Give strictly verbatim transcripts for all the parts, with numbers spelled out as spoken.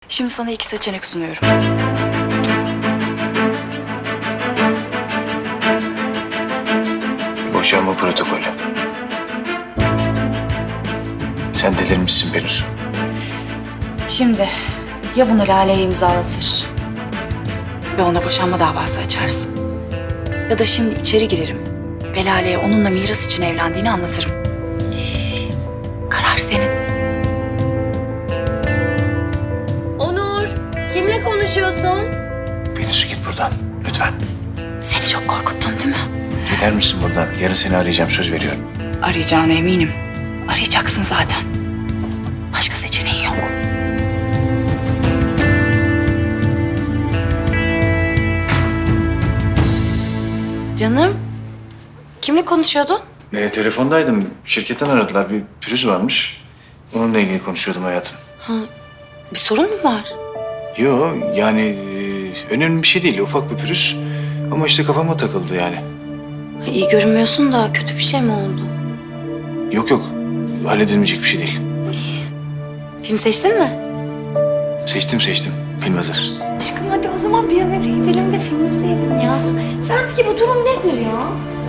Şimdi sana iki seçenek sunuyorum. Boşanma protokolü. Sen delirmişsin Pelinsu. Şimdi ya bunu Lale'ye imzalatır ve ona boşanma davası açarsın. Ya da şimdi içeri girerim ve Lale'ye onunla miras için evlendiğini anlatırım. Karar senin. Onur, kimle konuşuyorsun? Pelinsu git buradan lütfen. Seni çok korkuttum değil mi? Gider misin buradan? Yarın seni arayacağım, söz veriyorum. Arayacağına eminim. Arayacaksın zaten. Başka seçeneğin yok. Canım, kimle konuşuyordun? E, telefondaydım. Şirketten aradılar. Bir pürüz varmış. Onunla ilgili konuşuyordum hayatım. Bir sorun mu var? Yo yani e, önemli bir şey değil. Ufak bir pürüz. Ama işte kafama takıldı yani. Ha, İyi görünmüyorsun da kötü bir şey mi oldu? Yok yok. Halledilmeyecek bir şey değil. Film seçtin mi? Seçtim seçtim. Film hazır. Aşkım hadi o zaman bir an önce gidelim de film izleyelim ya. Sendeki bu durum nedir ya?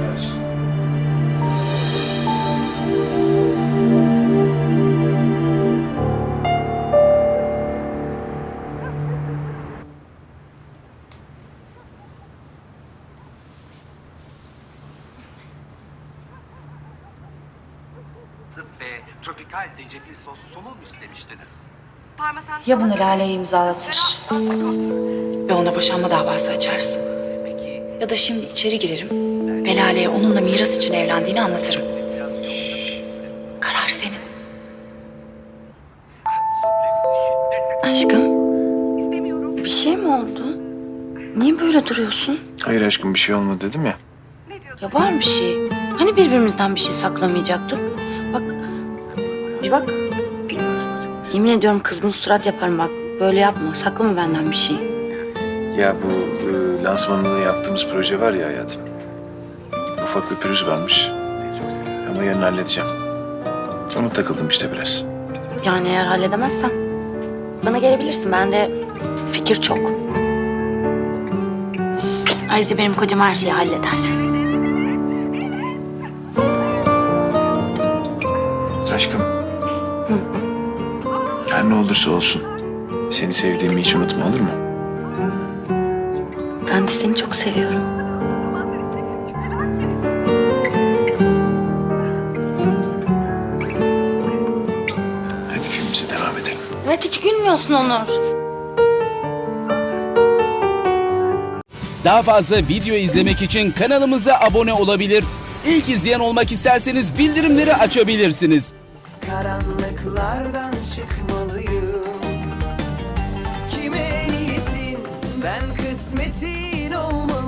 ve tropikal zencefil soslu somon mu istemiştiniz? Ya bunu Lale'ye imzalatır ve ona boşanma davası açarsın. Ya da şimdi içeri girerim ve Lale'ye onunla miras için evlendiğini anlatırım. Karar senin. Aşkım, bir şey mi oldu? Niye böyle duruyorsun? Hayır aşkım bir şey olmadı dedim ya. Ya var bir şey. Hani birbirimizden bir şey saklamayacaktık? Bak, bir bak. Yemin ediyorum kızgın surat yaparım bak. Böyle yapma, saklama benden bir şey. Ya bu e, lansmanını yaptığımız proje var ya hayatım. Ufak bir pürüz varmış. Ama yarın halledeceğim. Ona takıldım işte biraz. Yani eğer halledemezsen bana gelebilirsin. Bende fikir çok. Ayrıca benim kocam her şeyi halleder. Aşkım. Her ne olursa olsun. Seni sevdiğimi hiç unutma olur mu? Ben de seni çok seviyorum. Hadi filmimize devam edelim. Evet hiç gülmüyorsun Onur. Daha fazla video izlemek için kanalımıza abone olabilir. İlk izleyen olmak isterseniz bildirimleri açabilirsiniz. Karanlıklardan çıkmalıyım. Kime niyetin ben kısmetin olmalıyım.